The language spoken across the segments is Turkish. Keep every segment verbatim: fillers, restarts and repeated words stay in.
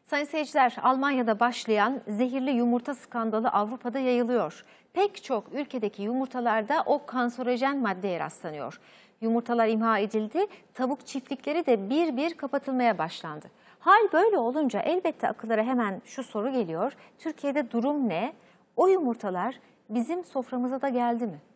Sayın seyirciler, Almanya'da başlayan zehirli yumurta skandalı Avrupa'da yayılıyor. Pek çok ülkedeki yumurtalarda o kanserojen maddeye rastlanıyor. Yumurtalar imha edildi, tavuk çiftlikleri de bir bir kapatılmaya başlandı. Hal böyle olunca elbette akıllara hemen şu soru geliyor: Türkiye'de durum ne? O yumurtalar bizim soframıza da geldi mi?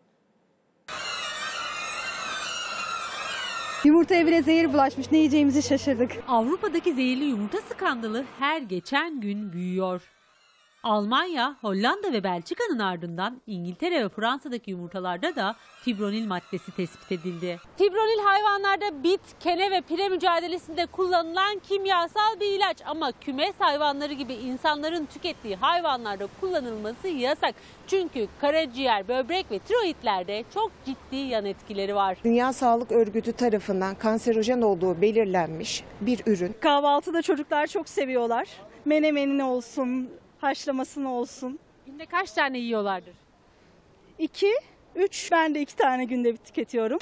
Yumurtaya bile zehir bulaşmış. Ne yiyeceğimizi şaşırdık. Avrupa'daki zehirli yumurta skandalı her geçen gün büyüyor. Almanya, Hollanda ve Belçika'nın ardından İngiltere ve Fransa'daki yumurtalarda da fibronil maddesi tespit edildi. Fibronil hayvanlarda bit, kene ve pire mücadelesinde kullanılan kimyasal bir ilaç ama kümes hayvanları gibi insanların tükettiği hayvanlarda kullanılması yasak. Çünkü karaciğer, böbrek ve tiroidlerde çok ciddi yan etkileri var. Dünya Sağlık Örgütü tarafından kanserojen olduğu belirlenmiş bir ürün. Kahvaltıda çocuklar çok seviyorlar. Menemenini olsun, haşlamasını olsun. Günde kaç tane yiyorlardır? İki, üç. Ben de iki tane günde tüketiyorum.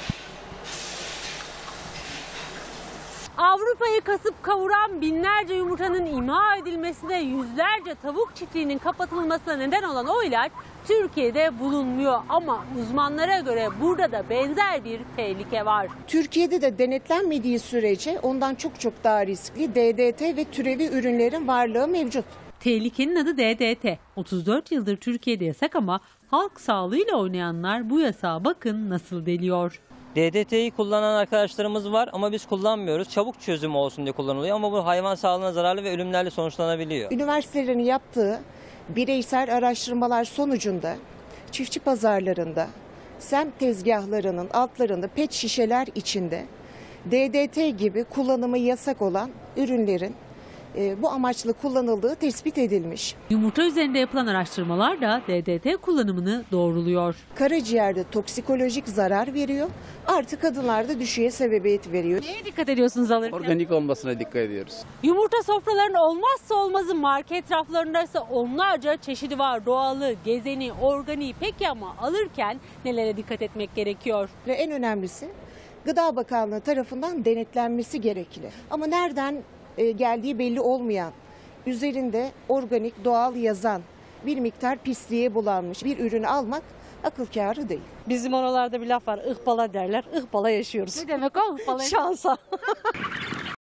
Avrupa'yı kasıp kavuran binlerce yumurtanın imha edilmesine, yüzlerce tavuk çiftliğinin kapatılmasına neden olan o ilaç Türkiye'de bulunmuyor. Ama uzmanlara göre burada da benzer bir tehlike var. Türkiye'de de denetlenmediği sürece ondan çok çok daha riskli D D T ve türevi ürünlerin varlığı mevcut. Tehlikenin adı D D T. otuz dört yıldır Türkiye'de yasak ama halk sağlığıyla oynayanlar bu yasağa bakın nasıl deliyor. D D T'yi kullanan arkadaşlarımız var ama biz kullanmıyoruz. Çabuk çözüm olsun diye kullanılıyor ama bu hayvan sağlığına zararlı ve ölümlerle sonuçlanabiliyor. Üniversitelerin yaptığı bireysel araştırmalar sonucunda çiftçi pazarlarında, semt tezgahlarının altlarında pet şişeler içinde D D T gibi kullanımı yasak olan ürünlerin bu amaçla kullanıldığı tespit edilmiş. Yumurta üzerinde yapılan araştırmalar da D D T kullanımını doğruluyor. Karaciğerde toksikolojik zarar veriyor. Artık kadınlarda düşüğe sebebiyet veriyor. Neye dikkat ediyorsunuz alırken? Organik olmasına dikkat ediyoruz. Yumurta sofralarının olmazsa olmazı market raflarında ise onlarca çeşidi var. Doğalı, gezeni, organiği. Peki ama alırken nelere dikkat etmek gerekiyor? Ve en önemlisi Gıda Bakanlığı tarafından denetlenmesi gerekli. Ama nereden geldiği belli olmayan, üzerinde organik, doğal yazan bir miktar pisliğe bulanmış bir ürünü almak akıl kârı değil. Bizim oralarda bir laf var, ıhbala derler, ıhbala yaşıyoruz. Ne demek o? Şansa.